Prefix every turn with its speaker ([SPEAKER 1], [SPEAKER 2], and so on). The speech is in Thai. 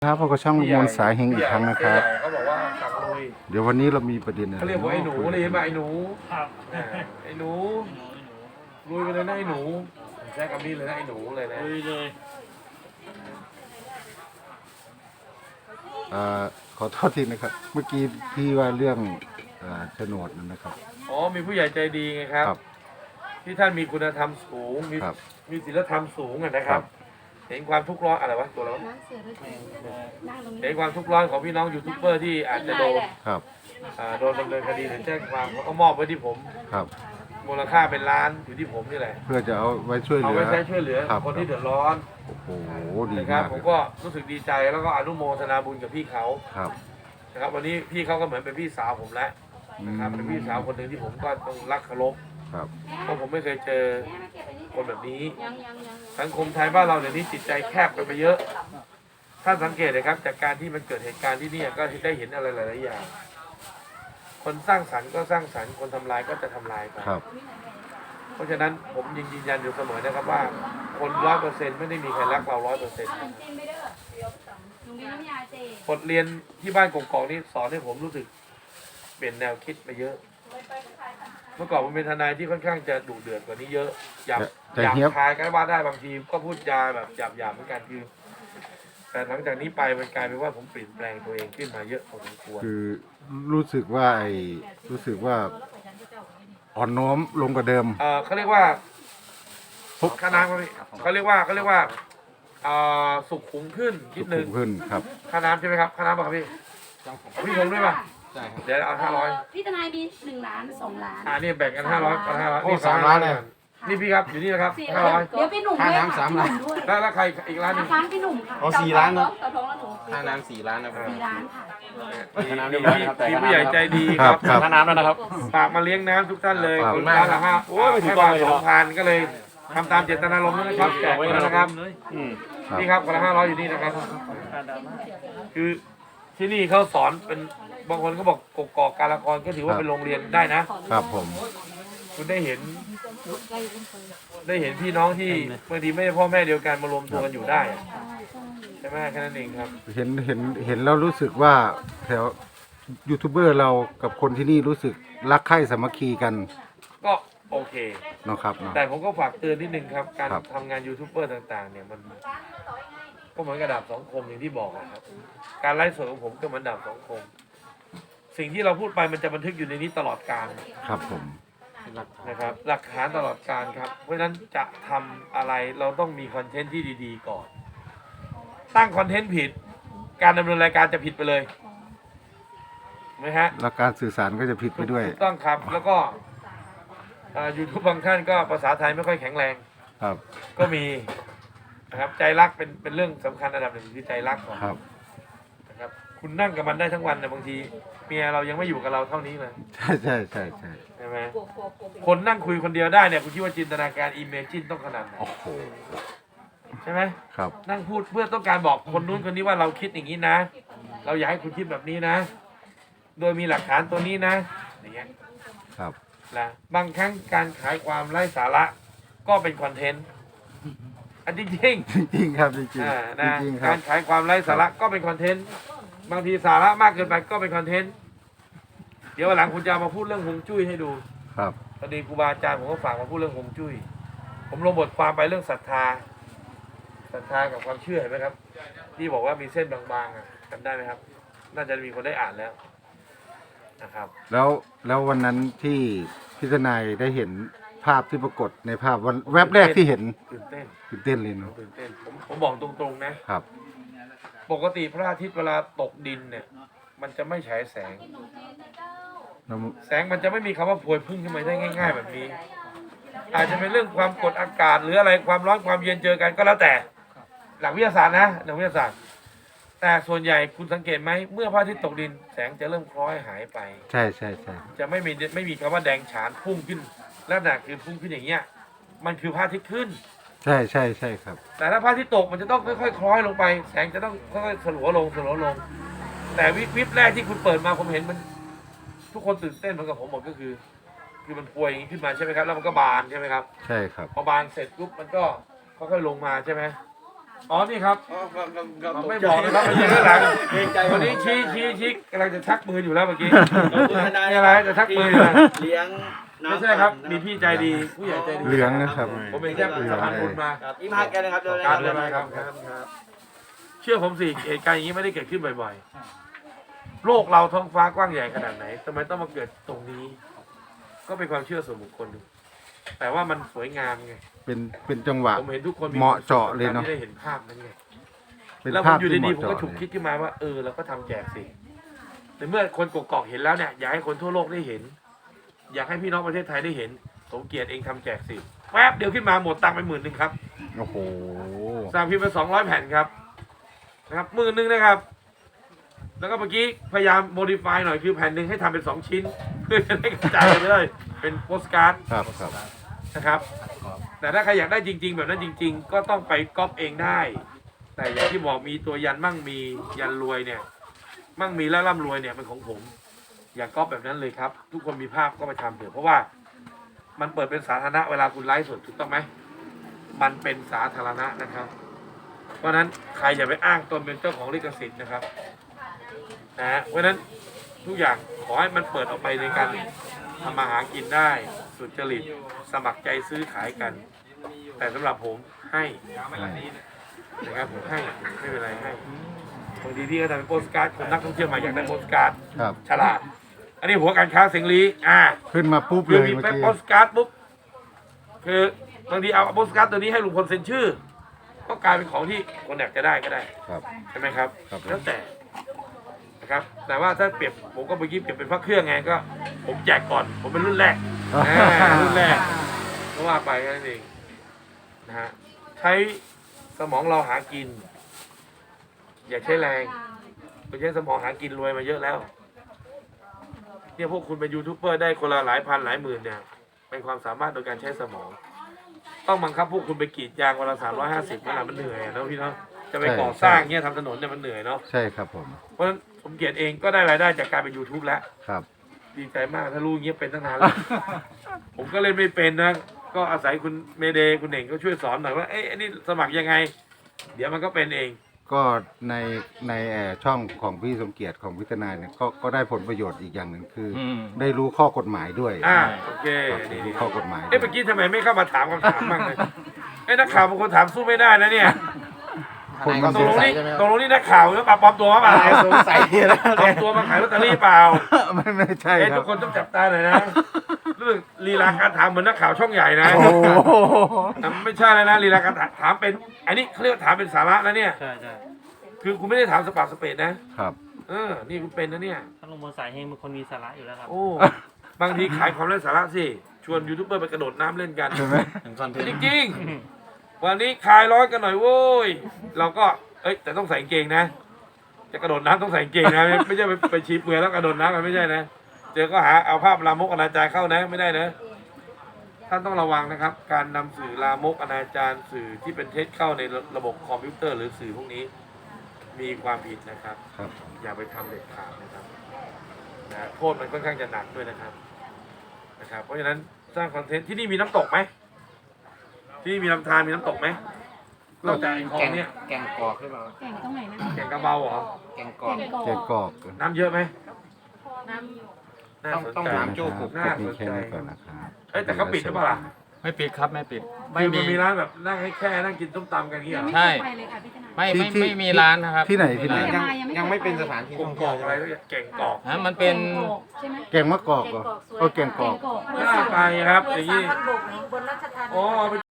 [SPEAKER 1] ครับพบกับช่องลุงมนต์สายเฮงอีกครั้งนะครับ
[SPEAKER 2] เขาบอกว่าสั่งลุย
[SPEAKER 1] เดี๋ยววันนี้เรามีประเด็นอะไร
[SPEAKER 2] เขาเรียกว่าไอ้หนูเลยใช่ไหมไอ้หนู
[SPEAKER 3] ครับ
[SPEAKER 2] ไอ้หนูลุยไปเลยนะไอ้หนูใช้คำนี้เลยนะไอ้หนูเลยนะ
[SPEAKER 3] ลุยเลย
[SPEAKER 1] ขอโทษทีนะครับ เมื่อกี้ที่ว่าเรื่องโฉนดนั่นนะครับ
[SPEAKER 2] อ๋อมีผู้ใหญ่ใจดีไงครับ
[SPEAKER 1] ครับ
[SPEAKER 2] ที่ท่านมีคุณธรรมสูง
[SPEAKER 1] ครับ
[SPEAKER 2] มีศีลธรรมสูงอะนะครั
[SPEAKER 1] ครับ บ
[SPEAKER 2] เห็นความทุกข์ร้อนอะไรวะตัวเรา
[SPEAKER 4] น้ำเสือด้วยนั่งตรงนี้
[SPEAKER 2] เห็นความทุกข์ร้อนของพี่น้องยูทูบเบอร์ที่อาจจะโดน
[SPEAKER 1] ครับ
[SPEAKER 2] โดนดำเนินคดีหรือแจ้งความเขาก็มอบไว้ที่ผม
[SPEAKER 1] ครับ
[SPEAKER 2] มูลค่าเป็นล้านอยู่ที่ผมนี่แหละ
[SPEAKER 1] เพื่อจะเอาไว้ช่วยเห
[SPEAKER 2] เอา
[SPEAKER 1] ลือ
[SPEAKER 2] ไว้ใช้ช่วยเหลือ
[SPEAKER 1] ครับ
[SPEAKER 2] คนที่เดือดร้อน
[SPEAKER 1] โอ้โหดี
[SPEAKER 2] นะครับ
[SPEAKER 1] มาก
[SPEAKER 2] ผ
[SPEAKER 1] เล
[SPEAKER 2] ม
[SPEAKER 1] ย
[SPEAKER 2] ก็รู้สึกดีใจแล้วก็อนุโมทนาบุญกับพี่เขา
[SPEAKER 1] ครับ
[SPEAKER 2] นะครับวันนี้พี่เขาก็เหมือนเป็นพี่สาวผมแล้ว
[SPEAKER 1] อื
[SPEAKER 2] นะครับเป็นพี่สาวคนหนึ่งที่ผมก็ต้องรักเคารพ
[SPEAKER 1] ครับ
[SPEAKER 2] เพราะผมไม่เคยเจอคนแบบนี้
[SPEAKER 4] ยัง
[SPEAKER 2] สังคมไทยบ้านเราเดี๋ยวนี้จิตใจแคบไปเยอะท่านสังเกตเลยครับจากการที่มันเกิดเหตุการณ์ที่นี่ก็ได้เห็นอะไรหลายๆอย่าง คนสร้างสรรค์ก็สร้างสรรค์คนทำลายก็จะทำลายไป
[SPEAKER 1] ครับ
[SPEAKER 2] เพราะฉะนั้นผมยังยืนยันอยู่เสมอนะครับว่าคน 100%ไม่ได้มีใครรักเรา 100%
[SPEAKER 4] จิ้มไปเด้อหนูมีน้ำยาเจ
[SPEAKER 2] บทเรียนที่บ้านกกอกนี่สอนให้ผมรู้สึกเปลี่ยนแนวคิดไปเยอะ เมื่อก่อนผมเป็นทนายที่ค่อนข้างจะดุเดือดกว่านี้เยอะหยาบ
[SPEAKER 1] แต่
[SPEAKER 2] หยาบ
[SPEAKER 1] เฮียบ
[SPEAKER 2] คายก็ว่าได้บางทีก็พูดจาแบบหยาบเหมือนกันคือแต่หลังจากนี้ไปมันกลายเป็นว่าผมเปลี่ยนแปลงตัวเองขึ้นมาเยอะพอสมควร
[SPEAKER 1] คือรู้สึกว่าอ่อนน้อมลงกว่าเดิม
[SPEAKER 2] เขาเรียกว่าค่าน้ำครับพี่เขาเรียกว่าสุขุมขึ้นนิ
[SPEAKER 1] สุ
[SPEAKER 2] ดนึ
[SPEAKER 1] ขุ
[SPEAKER 2] ง
[SPEAKER 1] มขึ้นครับ
[SPEAKER 2] ค่าน้ำใช่ไหมครับค่าน้ำป่ะครับพี่พี่ผมด้วยป่ะใช่เดี๋ยวเอา500
[SPEAKER 4] พี่ทนายมี1 ล้าน 2 ล้าน
[SPEAKER 2] นี่แบ่งกัน500กัน500
[SPEAKER 1] โอ้
[SPEAKER 2] นี่
[SPEAKER 1] 3 ล้านเลย
[SPEAKER 2] นี่พี่ครับอยู่นี่นะครับ
[SPEAKER 4] เดี๋ยวพี่หนุ่มด้วยค่ะพี่หนุ่มด้วย
[SPEAKER 2] แล้วใครอีกร้านหนึง
[SPEAKER 4] ร้านพี่หนุ่มค่ะ
[SPEAKER 3] เอา4 ล้านนะ
[SPEAKER 4] ต่อท้องแล้วหนู
[SPEAKER 5] ค่าน้ำ4 ล้านนะครับ
[SPEAKER 4] 4 ล้านค่ะ
[SPEAKER 5] ค่าน้ำเรียบร้อยนะครับแต่
[SPEAKER 2] มี
[SPEAKER 5] ค่า
[SPEAKER 2] ผู้ใหญ่
[SPEAKER 5] น้ำ
[SPEAKER 2] ใจดี
[SPEAKER 1] ค
[SPEAKER 2] ค
[SPEAKER 1] รั
[SPEAKER 2] รั
[SPEAKER 1] บบ ครับ
[SPEAKER 3] ค่าน้ำแล้วนะครับ
[SPEAKER 2] ฝากมาเลี้ยงน้ำทุกท่านเลย
[SPEAKER 1] ขอบ
[SPEAKER 2] ค
[SPEAKER 1] คุ
[SPEAKER 2] น
[SPEAKER 1] ณ
[SPEAKER 2] ละห้าโอ้ยไม่ถึงบาท2,000ก็เลยทำตามเจตนารมณ์นะครับแจกไว้นะครับ
[SPEAKER 1] ครับ
[SPEAKER 2] นี่ครับคนละ500อยู่นี่นะครับ คือที่นี่เขาสอนเป็นบางคนเขาบอกกกอกการละครก็ถือว่าเป็นโรงเรียนได้นะ
[SPEAKER 1] ครับผม
[SPEAKER 2] คุณได้เห็นพี่น้องที่บางทีไม่ใช่พ่อแม่เดียวกันมารวมตัวกันอยู่ได้อะใช่ไหมแค่นั้นเองครับ
[SPEAKER 1] เห็นแล้วรู้สึกว่าแถวยูทูบเบอร์เรากับคนที่นี่รู้สึกรักใคร่สามัคคีกัน
[SPEAKER 2] ก็โอเค
[SPEAKER 1] เนาะครับเนาะ
[SPEAKER 2] แต่ผมก็ฝากเตือนนิดนึงครับ การ
[SPEAKER 1] ครับ
[SPEAKER 2] ทำงานยูทูบเบอร์ต่างๆ เนี่ยมันก็เหมือนกระดาบสองคมอย่างที่บอกอะครับ การไลฟ์สดของผมก็เหมือนดาบสองคม สิ่งที่เราพูดไปมันจะบันทึกอยู่ในนี้ตลอดกาล
[SPEAKER 1] ครับผม
[SPEAKER 2] นะครับ หลักฐานตลอดกาลครับ เพราะฉะนั้นจะทำอะไรเราต้องมีคอนเทนต์ที่ดีๆก่อน ตั้งคอนเทนต์ผิด การดำเนินรายการจะผิดไปเลยถูกไหมฮะ
[SPEAKER 1] แล้วการสื่อสารก็จะผิดไปด้วย
[SPEAKER 2] ถูกต้องครับ แล้วก็ยูทูบบางท่านก็ภาษาไทยไม่ค่อยแข็งแรง
[SPEAKER 1] ครับ
[SPEAKER 2] ก็มีนะครับใจรักเป็นเรื่องสำคัญอันดับหนึ่งคือใจรักก่อน
[SPEAKER 1] ครับ
[SPEAKER 2] นะครับคุณนั่งกับมันได้ทั้งวันแต่บางทีเมียเรายังไม่อยู่กับเราเท่านี้เลย
[SPEAKER 1] ใช่ใช่ใช่ใช่
[SPEAKER 2] ใช่ไหมคนนั่งคุยคนเดียวได้เนี่ยคุณคิดว่าจินตนาการอิมเมจินต้องขนาดไหน
[SPEAKER 1] โอ้โห
[SPEAKER 2] ใช่ไหม
[SPEAKER 1] ครับ
[SPEAKER 2] นั่งพูดเพื่อต้องการบอกคนนู้นคนนี้ว่าเราคิดอย่างนี้นะ เราอยากให้คุณคิดแบบนี้นะ โดยมีหลักฐานตัวนี้นะอย่างเงี้ย
[SPEAKER 1] ครับ
[SPEAKER 2] นะบางครั้งการขายความไร้สาระก็เป็นคอนเทนต์อันจริง
[SPEAKER 1] จริงๆครับจริง
[SPEAKER 2] ๆ
[SPEAKER 1] ๆ
[SPEAKER 2] นะ
[SPEAKER 1] จริงๆครั
[SPEAKER 2] กา
[SPEAKER 1] บ
[SPEAKER 2] รขายความไร้สาระก็เป็นคอนเทนต์บางทีสาระมากเกินไปก็เป็นคอนเทนต์เดี๋ยววันหลังคุณจะมาพูดเรื่องฮวงจุ้ยให้ดู
[SPEAKER 1] ครับ
[SPEAKER 2] พอดีครูบาอาจารย์ผมก็ฝากมาพูดเรื่องฮวงจุ้ยผมลงบทความไปเรื่องศรัทธากับความเชื่อเห็นไหมครับ ที่บอกว่ามีเส้นบางๆอ่ะจำได้ไหมครับ น่าจะมีคนได้อ่านแล้วนะครับ
[SPEAKER 1] แล้ววันนั้นที่พิจารณาได้เห็นภาพที่ปรากฏในภาพวันแวบแรกที่เห็น
[SPEAKER 2] ตื่นเต้น
[SPEAKER 1] ตื่นเต้นเลยเนาะ
[SPEAKER 2] ตื่นเต้นผมบอกตรงๆนะ
[SPEAKER 1] ครับ
[SPEAKER 2] ปกติพระอาทิตย์เวลาตกดินเนี่ย มันจะไม่ฉายแสง
[SPEAKER 1] แล้ว
[SPEAKER 2] แสงมันจะไม่มีคำว่าพวยพุ่งขึ้นมาได้ง่าย ๆ แบบนี้ อาจจะเป็นเรื่องความกดอากาศหรืออะไรความร้อนความเย็นเจอกันก็แล้วแต่ หลักวิทยาศาสตร์นะหลักวิทยาศาสตร์ แต่ส่วนใหญ่คุณสังเกตไหมเมื่อพระอาทิตย์ตกดิน แสงจะเริ่มคล้อยหายไป
[SPEAKER 1] ใช่ใช่ใช่
[SPEAKER 2] จะไม่มีคำว่าแดงฉานพุ่งขึ้นลักษณะคือพุ่งขึ้นอย่างเงี้ยมันคือพระอาทิตย์ขึ้น
[SPEAKER 1] ใช่ใช่ใช่ครับ
[SPEAKER 2] แต่ถ้าพระอาทิตย์ตกมันจะต้องค่อยๆคล้อยลงไป แสงจะต้องค่อยๆสลัวลง แต่วิบแรกที่คุณเปิดมาผมเห็นมัน ทุกคนตื่นเต้นเหมือนกับผมหมดก็คือมันพวยอย่างนี้ขึ้นมาใช่ไหมครับแล้วมันก็บานใช่ไหมครับ
[SPEAKER 1] ใช่ครับ
[SPEAKER 2] พอบานเสร็จปุ๊บมันก็ค่อยๆลงมาใช่ไหมอ๋อนี่ครับไม่บอกนะครับไม่ใช่ข้างหลังวันนี้ชี้กำลังจะชักมืออยู่แล้วเมื่อกี้นี่อะไรจะชักมืออยู่นะ
[SPEAKER 3] เลี้ยง
[SPEAKER 2] ไม่ใช่ครับมีพี่ใจดีผู้ใหญ่ใจดี
[SPEAKER 1] เหลืองนะครับ
[SPEAKER 2] ผมเป็นแค่สะพานบุญมา
[SPEAKER 3] อีมาแกนะครับ
[SPEAKER 2] การเลยนะครับเชื่อผมสิเหตุการณ์อย่างนี้ไม่ได้เกิดขึ้นบ่อยๆโลกเราท้องฟ้ากว้างใหญ่ขนาดไหนทำไมต้องมาเกิดตรงนี้ ก็เป็นความเชื่อส่วนบุคคลแต่ว่ามันสวยงามไง
[SPEAKER 1] เป็นจังหวะ
[SPEAKER 2] ผมเห็นทุกคน
[SPEAKER 1] เหมาะเจาะเลยเนอะ
[SPEAKER 2] ที่ได้เห็นภาพนั้นไง
[SPEAKER 1] เป็น
[SPEAKER 2] แล้วผ
[SPEAKER 1] ภาม พ
[SPEAKER 2] อยู่
[SPEAKER 1] ที่เห
[SPEAKER 2] ดี
[SPEAKER 1] มาะ
[SPEAKER 2] ๆผมก็
[SPEAKER 1] เจาะ
[SPEAKER 2] ฉุก
[SPEAKER 1] เล
[SPEAKER 2] คิ
[SPEAKER 1] ย
[SPEAKER 2] ดขึ้นมาว่าเราก็ทำแจกสิแต่เมื่อคนกกอกเห็นแล้วเนี่ยอยากให้คนทั่วโลกได้เห็น อยากให้พี่น้องประเทศไทยได้เห็นสมเกียรติเองทำแจกสิแป๊บเดียวขึ้นมาหมดตังค์ไป10,000ครับ
[SPEAKER 1] โอ้โห
[SPEAKER 2] สั่งพิมพ์ไป200 แผ่นครับนะครับ10,000นะครับ แล้วก็เมื่อกี้พยายามโมดิฟายหน่อยคือแผ่นหนึ่งให้ทำเป็น2 ชิ้น เพื่อจะได้กระจายไปเลยเป็นโปสการ์ด
[SPEAKER 1] ครับครับ
[SPEAKER 2] นะครับ แต่ถ้าใครอยากได้จริง ๆ แบบนั้นจริง ๆ ก็ต้องไปก๊อปเองได้ แต่อย่างที่บอกมีตัวยันมั่งมียันรวยเนี่ย มั่งมีและร่ำรวยเนี่ยเป็นของผม อย่าก๊อปแบบนั้นเลยครับ ทุกคนมีภาพก็ไปทำเถอะเพราะว่ามันเปิดเป็นสาธารณะเวลาคุณไลฟ์สดถูกต้องไหมมันเป็นสาธารณะนะครับ เพราะฉะนั้นใครอย่าไปอ้างตนเป็นเจ้าของลิขสิทธิ์นะครับนะฮะเพราะฉะนั้นทุกอย่างขอให้มันเปิดออกไปในการทำมาหากินได้สุจริตสมัครใจซื้อขายกัน แต่สำหรับผมให้นะครับผมให้ไม่เป็นไรให้บางทีพี่ก็ทำเป็นโปสการ์ดคนนักท่องเที่ยวมาอยากได้โปสการ์ด
[SPEAKER 1] ครับ
[SPEAKER 2] ฉลาด อันนี้หัวการค้าเสรี
[SPEAKER 1] ขึ้นมาปุ๊บ
[SPEAKER 2] คื
[SPEAKER 1] เล
[SPEAKER 2] อย มี
[SPEAKER 1] เมื่อ
[SPEAKER 2] แป๊บ
[SPEAKER 1] กี้
[SPEAKER 2] โปสการ์ดปุ๊บคือบางทีเอาโปสการ์ดตัวนี้ให้ลุงพลเซ็นชื่อ ก็กลายเป็นของที่คนอยากจะได้ก็ได้
[SPEAKER 1] ครับ
[SPEAKER 2] ใช่ไหมครับ
[SPEAKER 1] ครับ
[SPEAKER 2] แล้วแต่นะครับแต่ว่าถ้าเปรียบผมก็เมื่อกี้เปรียบเป็นพระเครื่องไงก็ ผมแจกก่อนผมเป็นรุ่นแรกรุ่นแรกก็ว่าไปแค่นั้นเองนะฮะใช้สมองเราหากิน อย่าใช้แรงไปใช้สมองหากินรวยมาเยอะแล้วเนี่ยพวกคุณเป็นยูทูบเบอร์ได้คนละหลายพันหลายหมื่นเนี่ยเป็นความสามารถโดยการใช้สมอง ต้องบังคับพวกคุณไปกรีดยางวันละ350มันเหนื่อยอะเนาะพี่เนาะจะไปก่อสร้างเนี่ยทำถนนเนี่ยมันเหนื่อยเนาะ
[SPEAKER 1] ใช่ครับผม
[SPEAKER 2] เพราะฉะนั้นสมเกียรติเองก็ได้รายได้จากการเป็น YouTube แล้ว
[SPEAKER 1] ครับ
[SPEAKER 2] ดีใจมากถ้ารู้อย่างเงี้ยเป็นตั้งนานแล้ว ผมก็เล่นไม่เป็นนะ ก็อาศัยคุณเมเดย์คุณเน่งก็ช่วยสอนหน่อยว่าเอ้ยอันนี้สมัครยังไง เดี๋ยวมันก็เป็นเอง
[SPEAKER 1] ก็ในช่องของพี่สมเกียรติของพิจารณาเนี่ยก็ได้ผลประโยชน์อีกอย่างหนึ่งคืออได้รู้ข้อกฎหมายด้วย
[SPEAKER 2] โอเค
[SPEAKER 1] ครับ
[SPEAKER 2] นี่
[SPEAKER 1] รู้ข้อกฎหมาย
[SPEAKER 2] เอ้ยเมื่อกี้ทำไมไม่เข้ามาถามคำถามบ้างเลยเอ้ยนักข่าวบางคนถามสู้ไม่ได้นะเนี่ย
[SPEAKER 1] คน
[SPEAKER 5] ก็
[SPEAKER 1] มัน
[SPEAKER 2] ต
[SPEAKER 5] ส
[SPEAKER 2] ก
[SPEAKER 5] ง
[SPEAKER 2] ลง
[SPEAKER 5] สัย
[SPEAKER 2] นี่
[SPEAKER 5] ใช่ไหมครับ
[SPEAKER 2] ตกลงนี่นักข่าวหรือเปล่าปลอมตัวมาเปล่า
[SPEAKER 5] สงสัยนะ
[SPEAKER 2] ปลอมตัวมาขายลอตเตอรี่เปล่า
[SPEAKER 1] ไม่ใช่
[SPEAKER 2] เอ้ย
[SPEAKER 1] ครั
[SPEAKER 2] ทุ
[SPEAKER 1] บ
[SPEAKER 2] กคนต้องจับตาหน่อยนะรู้สึกลีลาการถามเหมือนนักข่าวช่องใหญ่นะ
[SPEAKER 1] โอ้โห
[SPEAKER 2] ไม่ใช่แล้วนะลีลาการถามเป็น อันนี้เขาเรียกว่าถามเป็นสาระนะเนี่ย
[SPEAKER 6] ใช่ใช่
[SPEAKER 2] คือคุณไม่ได้ถามสปาสเปดนะครับ นี่คุณเป็นนะเนี่ย
[SPEAKER 6] ท่านลุงพลสายเฮงเป็นคนมีสาระอยู่แล้วครับ
[SPEAKER 2] โอ้ บางทีขายความไร้สาระสิ ชวนยูทูบเบอร์ไปกระโดดน้ำเล่นกัน
[SPEAKER 1] ใช่ไหม
[SPEAKER 5] คอนเทน
[SPEAKER 2] จ
[SPEAKER 5] ต์
[SPEAKER 2] ริงๆ วันนี้คลายร้อนกันหน่อยโว้ย เราก็ แต่ต้องใส่กางเกงนะ จะกระโดดน้ำต้องใส่กางเกงนะ ไม่ใช่ไปชี้เปลือยแล้วกระโดดน้ำมันไม่ใช่นะ เจอก็หาเอาภาพลามกอนาจารเข้านะ ไม่ได้นะ ท่านต้องระวังนะครับ การนำสื่อลามกอนาจารสื่อที่เป็นเท็จเข้าในระบบคอมพิวเตอร์หรือสื่อพวกนี้ มีความผิดนะครับ
[SPEAKER 1] ครับ
[SPEAKER 2] อย่าไปทำเด็ดขาดนะครับนะโทษมันค่อนข้างจะหนักด้วยนะครับ เพราะฉะนั้นสร้างคอนเทนต์ที่นี่มีน้ำตกไหมที่นี่มีลำธารมีน้ำตกไหมนอกจากไอ้คลอ
[SPEAKER 5] แก
[SPEAKER 2] ง
[SPEAKER 5] ง
[SPEAKER 2] เนี่ย
[SPEAKER 5] แกงกอกหรือเปล่า
[SPEAKER 4] แก่งตรงไหนนะ
[SPEAKER 2] แก่งกระเบาเหรอ
[SPEAKER 5] แกงกอก
[SPEAKER 1] แกงกอก
[SPEAKER 2] น้ำเยอะไหม
[SPEAKER 4] น้
[SPEAKER 2] น่าสน
[SPEAKER 5] ต้อง
[SPEAKER 2] ใจ
[SPEAKER 5] ถามโจ้
[SPEAKER 1] นะครับ
[SPEAKER 2] น่า
[SPEAKER 1] มี
[SPEAKER 2] สน
[SPEAKER 1] แค่
[SPEAKER 2] ใจ
[SPEAKER 1] นี้ก่อนนะครับ
[SPEAKER 2] แต่เขาปิดหรือเปล่าล่ะ
[SPEAKER 7] ไม่ปิดครับไม่ปิด
[SPEAKER 2] คือมันมีร้านแบบนั่งให้แค่นั่งกินต้มตำกันอย่าง
[SPEAKER 4] ำ
[SPEAKER 2] เงี้ย
[SPEAKER 4] ยัง
[SPEAKER 2] เหรอ
[SPEAKER 4] ไม่เคยไปเลยค่ะพี่ธนา
[SPEAKER 7] ไม่มีร้านนะครับ
[SPEAKER 1] ที่ไหนที่ไหน
[SPEAKER 5] ยังไม่เป็นสถานที่
[SPEAKER 2] ก
[SPEAKER 5] ท่อง
[SPEAKER 2] ก
[SPEAKER 5] เที่ย
[SPEAKER 2] อ
[SPEAKER 5] ว
[SPEAKER 2] ก
[SPEAKER 5] ใช่
[SPEAKER 2] อะ
[SPEAKER 5] ไห
[SPEAKER 2] ไร
[SPEAKER 5] ม
[SPEAKER 2] สักอย่างแก่งกอก
[SPEAKER 7] ฮะมันเป็น
[SPEAKER 4] ใช่ไหม
[SPEAKER 1] แกงมะกอกเหรอแกงกอก
[SPEAKER 4] แก่งกอก
[SPEAKER 2] น่าไปครับอย่างนี้
[SPEAKER 4] บนราชธานี
[SPEAKER 2] อ๋อ